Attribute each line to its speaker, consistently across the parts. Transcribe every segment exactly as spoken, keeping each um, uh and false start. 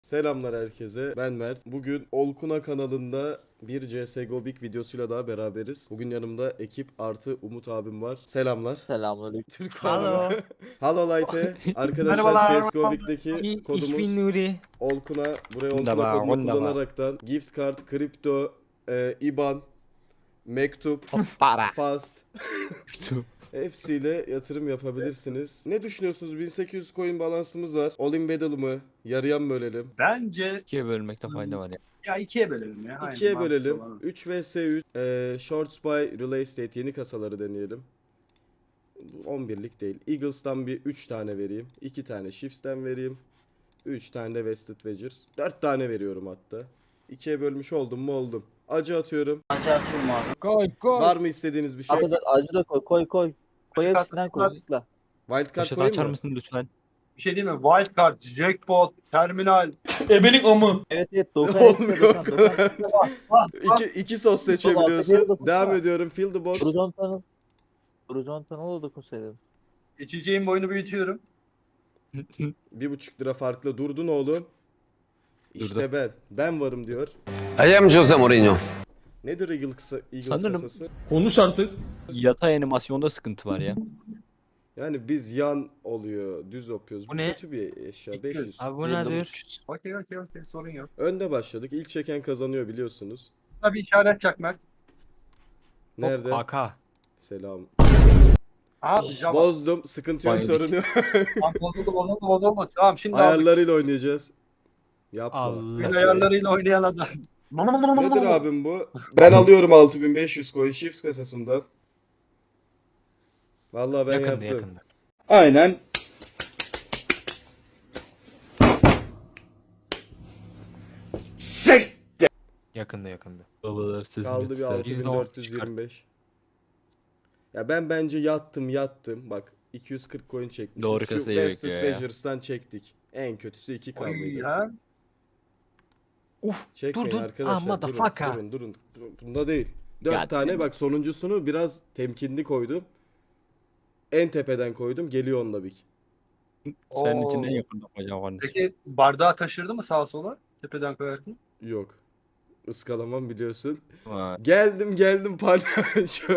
Speaker 1: Selamlar herkese. Ben Mert. Bugün Olkuna kanalında bir C S G O Big videosuyla daha beraberiz. Bugün yanımda ekip artı Umut abim var. Selamlar.
Speaker 2: Selamünaleyküm.
Speaker 1: Türk
Speaker 2: Hello.
Speaker 1: abi. Hello Light'e. Arkadaşlar
Speaker 3: Merhabalar.
Speaker 1: C S G O Big'deki
Speaker 2: Ich
Speaker 1: kodumuz
Speaker 2: bin Nuri.
Speaker 1: Olkuna. Buraya Olkuna
Speaker 2: Wunderbar,
Speaker 1: kodunu
Speaker 2: wunderbar.
Speaker 1: kullanaraktan gift card, kripto, e, I B A N, mektup,
Speaker 2: Para.
Speaker 1: fast hepsiyle yatırım yapabilirsiniz. Ne düşünüyorsunuz? bin sekiz yüz coin balansımız var. All in battle mı? Yarıyan bölelim.
Speaker 3: Bence
Speaker 2: İkiye bölmekte fayda var ya.
Speaker 3: ya ikiye bölelim ya. Aynen,
Speaker 1: ikiye
Speaker 3: mantıklı
Speaker 1: bölelim.
Speaker 3: olan o.
Speaker 1: üç vs üç. Ee, Shorts by Relay State yeni kasaları deneyelim. on birlik değil. Eagles'tan bir üç tane vereyim. iki tane Shifts'ten vereyim. üç tane de Vested Wedgers. dört tane veriyorum hatta. ikiye bölmüş oldum mu oldum. Acı atıyorum.
Speaker 2: Koy koy.
Speaker 1: Var mı istediğiniz bir şey?
Speaker 2: Acı da, acı da koy koy koy. Koy
Speaker 3: Şu
Speaker 2: hepsinden koy.
Speaker 3: kartlar-
Speaker 2: Tıkla.
Speaker 1: Wildcard
Speaker 2: Başa
Speaker 1: koyayım
Speaker 2: açar
Speaker 1: mı?
Speaker 2: mısın lütfen?
Speaker 3: Bir şey değil mi? Wildcard, jackpot, terminal.
Speaker 4: Ebelik amı.
Speaker 2: Evet evet. Dokan
Speaker 1: Olmuyor
Speaker 2: hepsine
Speaker 1: o
Speaker 2: dokan.
Speaker 1: kadar.
Speaker 2: Dokan.
Speaker 1: İki, iki sos
Speaker 2: Geri
Speaker 1: seçebiliyorsun.
Speaker 2: dokun.
Speaker 1: Devam ediyorum. Fill the box.
Speaker 2: Horizontal. Horizontal da dokunsaydım.
Speaker 3: İçeceğim boyunu büyütüyorum.
Speaker 1: Bir buçuk lira farklı durdun oğlum. İşte
Speaker 2: Durdu.
Speaker 1: ben. Ben varım diyor.
Speaker 5: I am Jose Mourinho.
Speaker 1: Nedir Eagle kısa, Eagles
Speaker 2: Sanırım-
Speaker 1: kasası?
Speaker 4: Konuş artık.
Speaker 2: Yatay animasyonda sıkıntı var ya.
Speaker 1: Yani biz yan oluyor, düz yapıyoruz. Bu
Speaker 2: Bu ne?
Speaker 1: kötü bir eşya.
Speaker 3: İki
Speaker 1: beş yüz.
Speaker 3: yüz.
Speaker 2: Abi bu nedir?
Speaker 3: Okey okey okey sorun yok.
Speaker 1: Önde başladık. İlk çeken kazanıyor biliyorsunuz.
Speaker 3: Buna bir işaret çak Mert.
Speaker 1: Nerede?
Speaker 2: Hop, K K.
Speaker 1: Selam.
Speaker 3: Aa Java.
Speaker 1: Bozdum. Sıkıntı yok,
Speaker 2: Vay
Speaker 1: sorun yok.
Speaker 3: Tamam, bozuldu bozuldu bozuldu. Tamam şimdi aldık.
Speaker 1: Ayarlarıyla oynayacağız. Yapma.
Speaker 2: Allah.
Speaker 3: Oyun ayarlarıyla oynayan adam.
Speaker 1: Nedir abim bu? Ben alıyorum altı bin beş yüz coin Shifts kasasından. Vallahi ben
Speaker 2: Yakında
Speaker 1: yaptım.
Speaker 2: yakında.
Speaker 4: Aynen.
Speaker 6: Yakında yakında.
Speaker 2: Babalar sözünü
Speaker 1: Kaldı bir
Speaker 2: tutar.
Speaker 1: altı bin dört yüz yirmi beş. Ya ben bence yattım yattım. Bak iki yüz kırk coin çekmişiz.
Speaker 2: Doğru
Speaker 1: Şu
Speaker 2: kasayı
Speaker 1: Vested
Speaker 2: bekliyor ya.
Speaker 1: Wedgers'tan çektik. En kötüsü iki
Speaker 3: Oy
Speaker 1: kaldı.
Speaker 3: ha.
Speaker 2: Uf
Speaker 1: Çekmeyin
Speaker 2: durdun.
Speaker 1: arkadaşlar.
Speaker 2: Ah
Speaker 1: durun,
Speaker 2: motherfucker.
Speaker 1: durun durun. Bunda değil. Dört
Speaker 2: Ya,
Speaker 1: tane
Speaker 2: değil mi?
Speaker 1: bak sonuncusunu biraz temkinli koydum. En tepeden koydum. Geliyor onunla bir.
Speaker 2: Senin
Speaker 3: Oo.
Speaker 2: için en yakın yapacağım var.
Speaker 3: Peki bardağı taşırdı mı sağa sola? Tepeden koyarken.
Speaker 1: Yok. Iskalamam biliyorsun.
Speaker 2: Vay.
Speaker 1: Geldim geldim palyaço.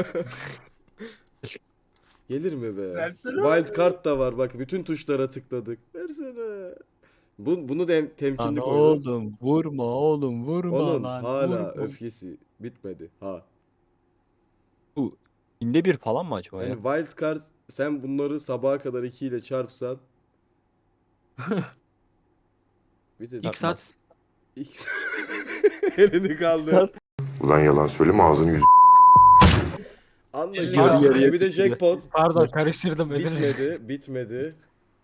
Speaker 1: Gelir mi be?
Speaker 3: Versene.
Speaker 1: Wild card da var bak bütün tuşlara tıkladık. Versene. Bu, bunu da
Speaker 2: Lan
Speaker 1: temkinli koydum.
Speaker 2: oğlum vurma oğlum vurma
Speaker 1: Onun
Speaker 2: lan.
Speaker 1: hala
Speaker 2: vurma.
Speaker 1: öfkesi bitmedi. Ha.
Speaker 2: Bu inde bir falan mı acaba
Speaker 1: Yani
Speaker 2: ya?
Speaker 1: wild card sen bunları sabaha kadar iki ile çarpsan bir de
Speaker 2: İlk saat.
Speaker 1: X elini kaldır.
Speaker 2: Saat.
Speaker 7: Ulan yalan söyleme ağzını yüzünü.
Speaker 1: Anla
Speaker 3: Yarı
Speaker 1: ki.
Speaker 2: yarıya
Speaker 1: Bir de
Speaker 2: bitti.
Speaker 1: jackpot
Speaker 6: Pardon karıştırdım özür dilerim.
Speaker 1: bitmedi, bitmedi.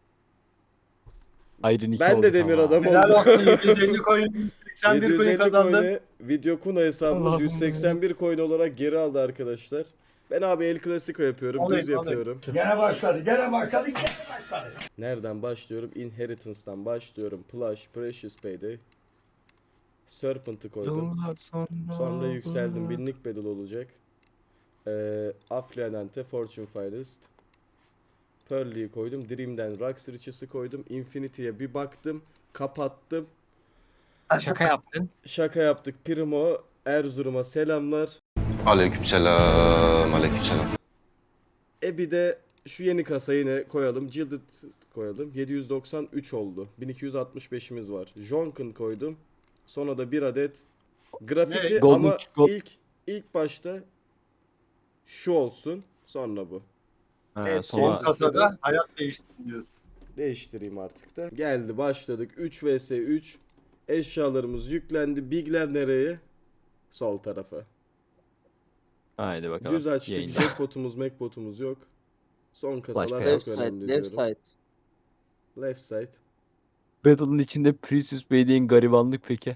Speaker 2: Ayrın iki
Speaker 1: Ben
Speaker 2: oldu
Speaker 1: de demir
Speaker 2: tamam.
Speaker 1: adam
Speaker 3: Helal
Speaker 1: oldum.
Speaker 3: olsun yedi yüz elli coin. yüz seksen bir
Speaker 1: yedi yüz
Speaker 3: coin
Speaker 1: elli
Speaker 3: kazandın.
Speaker 1: coin'e video kuna hesabımız
Speaker 2: Allah'ım
Speaker 1: yüz seksen bir coin olarak geri aldı arkadaşlar. Ben abi El Clasico yapıyorum,
Speaker 3: Alayım,
Speaker 1: düz
Speaker 3: alayım.
Speaker 1: yapıyorum.
Speaker 4: Gene başladı, gene başladı, gene başladı.
Speaker 1: Nereden başlıyorum? Inheritance'dan başlıyorum. Plush, Precious Payday. Serpent'ı koydum.
Speaker 2: Yıllar sonra.
Speaker 1: Sonra yükseldim. Binlik bedel olacak. Ee, Affluente, Fortune Finest. Pearl'liyi koydum. Dream'den Rux Riches'ı koydum. Infinity'ye bir baktım. Kapattım.
Speaker 6: Şaka yaptın.
Speaker 1: Şaka yaptık. Primo, Erzurum'a selamlar.
Speaker 5: Aleykümselam. Aleykümselam.
Speaker 1: E bir de şu yeni kasayı yine koyalım. Gilded koyalım. yedi yüz doksan üç oldu. bin iki yüz altmış beşimiz var. Jonken koydum. Sonra da bir adet grafiti
Speaker 3: Ne?
Speaker 2: Golden
Speaker 1: ama
Speaker 2: Gold-
Speaker 1: ilk ilk başta şu olsun. Sonra bu.
Speaker 2: Ha,
Speaker 1: Evet,
Speaker 3: Son
Speaker 2: sonra
Speaker 1: Sonra-
Speaker 3: kasada hayat değişsin diyorsun.
Speaker 1: Değiştireyim artık da. Geldi başladık. üç vs üç. Eşyalarımız yüklendi. Bigler nereye? Sol tarafa.
Speaker 2: haydi bakalım.
Speaker 1: Düz açtık.
Speaker 2: Yayında.
Speaker 1: Jackpotumuz, Macbotumuz yok. Son kasalar
Speaker 2: Başka
Speaker 1: çok
Speaker 2: yok. Left
Speaker 1: önemli
Speaker 2: side,
Speaker 1: diyorum.
Speaker 2: left side.
Speaker 1: Left side.
Speaker 2: Battle'ın içinde Precious Bey'in garibanlık peki.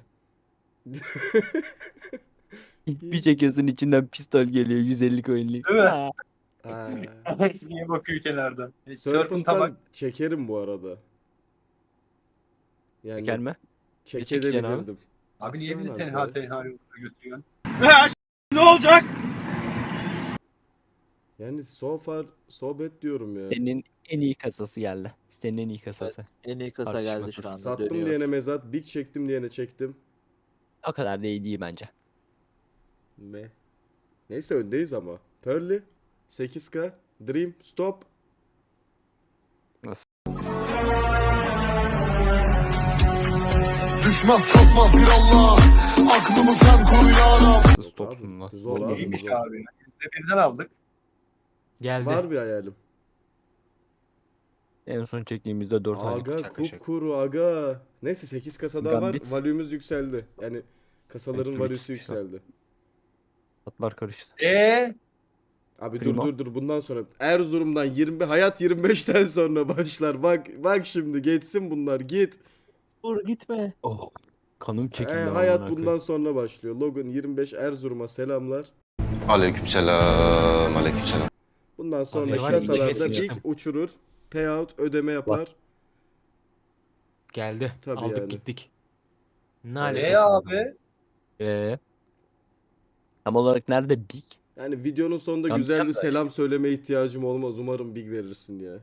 Speaker 2: Bir çekiyorsun içinden pistol geliyor yüz elli coin'lik.
Speaker 3: Değil mi?
Speaker 2: Ha.
Speaker 1: Ha.
Speaker 3: Niye bakıyor kenardan? E, Serpent'a bak.
Speaker 1: Serpent'tan çekerim bu arada. Yani
Speaker 2: Çeker mi?
Speaker 1: çekebilirdim.
Speaker 3: Abi niye bizi
Speaker 1: Baksana
Speaker 3: tenha
Speaker 1: sen.
Speaker 3: tenha yollara götürüyorsun?
Speaker 1: Yani so far so bad diyorum ya.
Speaker 2: Senin en iyi kasası geldi. Senin en iyi kasası.
Speaker 8: En iyi kasa geldi
Speaker 2: Tartışmasız.
Speaker 8: şu anda.
Speaker 1: Sattım
Speaker 8: dönüyor.
Speaker 1: diyene mezat, big çektim diyene çektim.
Speaker 2: O kadar da iyi değil bence.
Speaker 1: Ne? Neyse öndeyiz ama. Pearly sekiz K Dream stop.
Speaker 2: Nasıl?
Speaker 9: Düşmez kalkmaz bir Allah. Aklımı sen koru ya Rab.
Speaker 2: Stopsun lan.
Speaker 1: Zor abi.
Speaker 3: İyiymiş
Speaker 1: zor.
Speaker 3: abi. Yüzde birden aldık.
Speaker 6: Geldi.
Speaker 1: Var bir hayalim.
Speaker 2: En son çektiğimizde dört aylık.
Speaker 1: Aga
Speaker 6: şaka şaka.
Speaker 1: kupkuru aga. Neyse sekiz kasa daha var.
Speaker 2: Gambit.
Speaker 1: Value'umuz yükseldi. Yani kasaların
Speaker 2: Belki
Speaker 1: value'su
Speaker 2: üç çıkar.
Speaker 1: yükseldi.
Speaker 2: Atlar karıştı.
Speaker 3: Eee?
Speaker 1: Abi
Speaker 2: Primo.
Speaker 1: dur dur dur bundan sonra Erzurum'dan yirmi hayat yirmi beşten sonra başlar. Bak bak şimdi geçsin bunlar git.
Speaker 8: Dur gitme.
Speaker 2: Oh. Kanım
Speaker 1: Ee,
Speaker 2: çekildi.
Speaker 1: hayat
Speaker 2: amına
Speaker 1: bundan
Speaker 2: koyayım.
Speaker 1: sonra başlıyor. Logan yirmi beş Erzurum'a selamlar.
Speaker 5: Aleykümselam. Aleykümselam.
Speaker 1: Bundan sonraki
Speaker 6: var,
Speaker 1: kasalarda
Speaker 6: iki
Speaker 1: big
Speaker 6: kesin.
Speaker 1: uçurur. Payout ödeme yapar.
Speaker 6: Geldi.
Speaker 1: Tabii
Speaker 6: Aldık
Speaker 1: yani.
Speaker 6: gittik. Ne
Speaker 3: Ne
Speaker 6: alaka?
Speaker 3: abi?
Speaker 2: Ee, tam olarak nerede big?
Speaker 1: Yani videonun sonunda
Speaker 2: Tam
Speaker 1: güzel bir
Speaker 3: güzel de-
Speaker 1: selam söyleme ihtiyacım olmaz. Umarım big verirsin ya.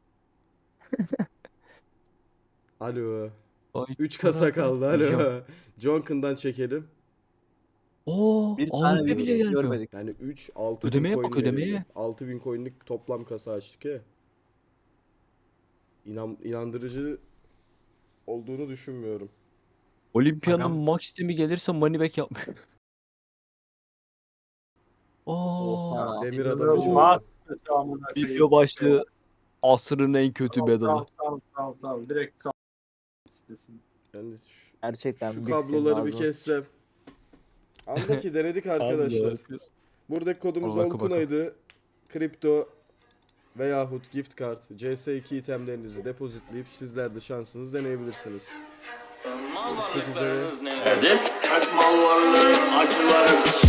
Speaker 1: Alo.
Speaker 2: Ay,
Speaker 1: üç kasa kaldı. Alo.
Speaker 2: Hocam.
Speaker 1: Jonkin'dan çekelim.
Speaker 2: Oo,
Speaker 8: Bir
Speaker 2: A
Speaker 8: tane
Speaker 2: W P
Speaker 8: bir
Speaker 2: bile
Speaker 8: şey
Speaker 2: gelmiyor.
Speaker 8: görmedik.
Speaker 1: Yani üç altı
Speaker 2: Ödemeye
Speaker 1: bin
Speaker 2: bak,
Speaker 1: coin
Speaker 2: ödemeye.
Speaker 1: verildi. altı bin coin'lik toplam kasa açtık ya. İnan, inandırıcı olduğunu düşünmüyorum.
Speaker 2: Olimpiyanın
Speaker 6: Agam.
Speaker 2: max sistemi gelirse money back yapmıyor. Oo,
Speaker 8: Oha.
Speaker 1: Demir adam
Speaker 3: İnanılmaz
Speaker 1: için.
Speaker 3: Bak, kötü amına koyayım.
Speaker 2: video başlığı asrın en kötü
Speaker 3: Sal,
Speaker 2: battle'ı.
Speaker 3: sal, sal, sal. Direkt sal. İstesin.
Speaker 1: Yani şu,
Speaker 8: Gerçekten
Speaker 1: şu
Speaker 8: Big senin
Speaker 1: kabloları bir
Speaker 8: ağzına
Speaker 1: kessem. Andaki denedik arkadaşlar. Buradaki kodumuz
Speaker 2: Al bakı bakı.
Speaker 1: Olkunay'dı. Kripto veyahut gift card C S iki itemlerinizi depozitleyip sizler de şansınızı deneyebilirsiniz. Görüşmek üzere.
Speaker 4: Mal varlığı, acıları,